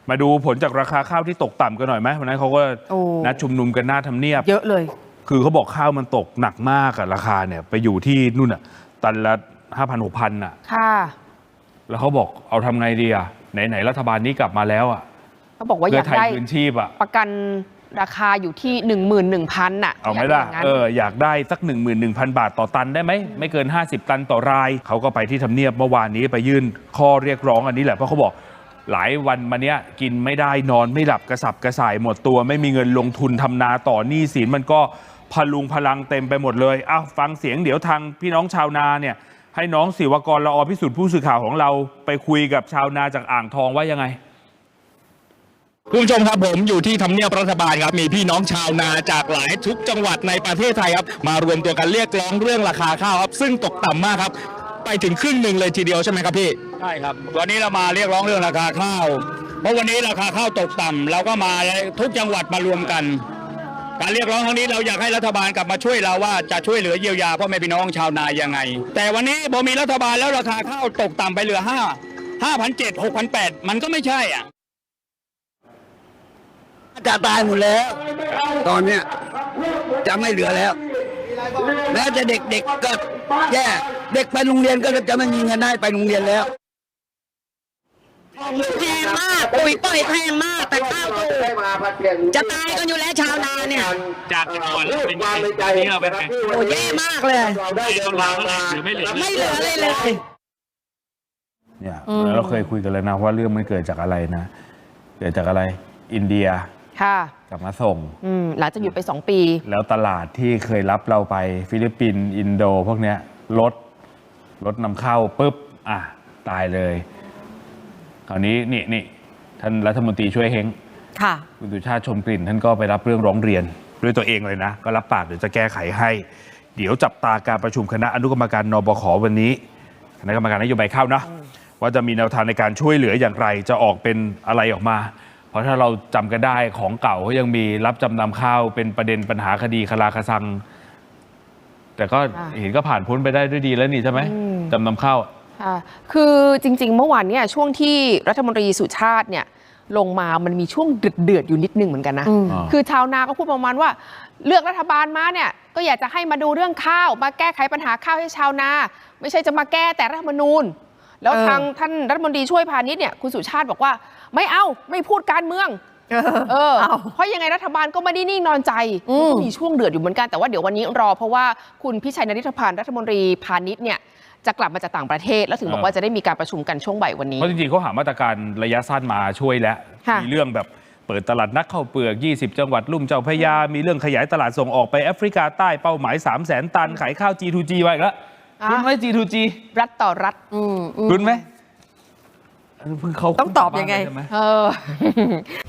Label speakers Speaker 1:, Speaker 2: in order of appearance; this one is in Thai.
Speaker 1: มาดูผลจากราคาข้าวที่ตกต่ำกันหน่อยไหมวันนั้นเขาก็นัดชุมนุมกันหน้าทำเนียบ
Speaker 2: เยอะเลย
Speaker 1: คือเขาบอกข้าวมันตกหนักมากอะราคาเนี่ยไปอยู่ที่นู่นอะตันละ5,000-6,000อะ
Speaker 2: ค่ะ
Speaker 1: แล้วเขาบอกเอาทำไงดีอะไหนรัฐบาลนี้กลับมาแล้วอะ
Speaker 2: เขาบอกว่าอยากได้
Speaker 1: พื้นชีพอะ
Speaker 2: ประกันราคาอยู่ที่ 11,000 น่ะ
Speaker 1: เอาไหมล่ะอยากได้สัก 11,000 บาทต่อตันได้ไหมไม่เกิน50ตันต่อรายเขาก็ไปที่ทำเนียบเมื่อวานนี้ไปยื่นข้อเรียกร้องอันนี้แหละเพราะเขาบอกหลายวันมาเนี้ยกินไม่ได้นอนไม่หลับกระสับกระส่ายหมดตัวไม่มีเงินลงทุนทำนาต่อหนี้สินมันก็พลุงพลังเต็มไปหมดเลยฟังเสียงเดี๋ยวทางพี่น้องชาวนาเนี่ยให้น้องศิวกรละอพิสุทธิ์ผู้สื่อข่าวของเราไปคุยกับชาวนาจากอ่างทองว่ายังไง
Speaker 3: คุณผู้ชมครับผมอยู่ที่ทำเนียบรัฐบาลครับมีพี่น้องชาวนาจากหลายทุกจังหวัดในประเทศไทยครับมารวมตัวกันเรียกร้องเรื่องราคาข้าวครับซึ่งตกต่ำมากครับไปถึงครึ่งหนึ่งเลยทีเดียวใช่ไหมครับพี่
Speaker 4: ใช่ครับวันนี้เรามาเรียกร้องเรื่องราคาข้าวเพราะวันนี้ราคาข้าวตกต่ำเราก็มาทุกจังหวัดมารวมกันการเรียกร้องครั้งนี้เราอยากให้รัฐบาลกลับมาช่วยเราว่าจะช่วยเหลือเยียวยาพ่อแม่พี่น้องชาวนายังไงแต่วันนี้พอมีรัฐบาลแล้วราคาข้าวตกต่ำไปเหลือ5,700 6,800มันก็ไม่ใช่อ่ะ
Speaker 5: จะตายหมดแล้วตอนเนี้ยจะไม่เหลือแล้วแม้จะเด็กๆก็แย่เด็กไปโรงเรียนก็จะไม่มีเงินให้ไปโรงเรียนแล้ว
Speaker 6: แพงมากปุ๋ยปล่อยแพงมากแต่ข้าวถูกจะตายกันอยู่แล้วชาวนาเนี่ย
Speaker 3: จากจังหวัดเป็นนี่เราเป็นไง
Speaker 6: โอ้แย่มากเลย
Speaker 3: ไม่เหลือ
Speaker 6: เลย
Speaker 1: เนี่ยเราเคยคุยกันแล้วนะว่าเรื่องมันเกิดจากอะไรนะเกิดจากอะไรอินเดีย
Speaker 2: ค่ะ
Speaker 1: กลับมาส่ง
Speaker 2: หลังจากหยุดไป2 ปี
Speaker 1: แล้วตลาดที่เคยรับเราไปฟิลิปปินส์อินโดพวกเนี้ยลดนำเข้าปุ๊บตายเลยคราวนี้นี่ท่านรัฐมนตรีช่วยเฮง
Speaker 2: ค่ะ
Speaker 1: คุณสุชาติชมกลิ่นท่านก็ไปรับเรื่องร้องเรียนด้วยตัวเองเลยนะก็รับปากเดี๋ยวจะแก้ไขให้เดี๋ยวจับตาการประชุมคณะอนุกรรมการนบขวันนี้คณะกรรมการนโยบายข้าวนะว่าจะมีแนวทางในการช่วยเหลืออย่างไรจะออกเป็นอะไรออกมาเพราะถ้าเราจำกันได้ของเก่าเขายังมีรับจำนำข้าวเป็นประเด็นปัญหาคดีคลาคซังแต่ก็เห็นก็ผ่านพ้นไปได้ด้วยดีแล้วนี่ใช่ไหมจำนำข้าว
Speaker 2: คือจริงๆเมื่อวานเนี่ยช่วงที่รัฐมนตรีสุชาติเนี่ยลงมามันมีช่วงเดือดอยู่นิดนึงเหมือนกันนะคือชาวนาก็พูดประมาณว่าเลือกรัฐบาลมาเนี่ยก็อยากจะให้มาดูเรื่องข้าวมาแก้ไขปัญหาข้าวให้ชาวนาไม่ใช่จะมาแก้แต่รัฐธรรมนูญแล้วทางท่านรัฐมนตรีช่วยพาณิชย์เนี่ยคุณสุชาติบอกว่าไม่พูดการเมืองเพราะยังไงรัฐบาลก็ไม่ได้นิ่งนอนใจก็มีช่วงเดือดอยู่เหมือนกันแต่ว่าเดี๋ยววันนี้รอเพราะว่าคุณพิชัยนฤทธพันธ์รัฐมนตรีพาณิชย์เนี่ยจะกลับมาจากต่างประเทศแล้วถึงบอกว่าจะได้มีการประชุมกันช่วงบ่ายวันนี้
Speaker 1: เพราะจริงๆเขาหามาตรการระยะสั้นมาช่วยแล้วมีเรื่องแบบเปิดตลาดนักข้าวเปลือก20จังหวัดลุ่มเจ้าพระยามีเรื่องขยายตลาดส่งออกไปแอฟริกาใต้เป้าหมาย300,000 ตันขายข้าว G2G ไว้อีกแล้วคุณไหม G2G
Speaker 2: รัฐต่อรัฐ
Speaker 1: คุณไหม
Speaker 2: ต้องตอบยังไง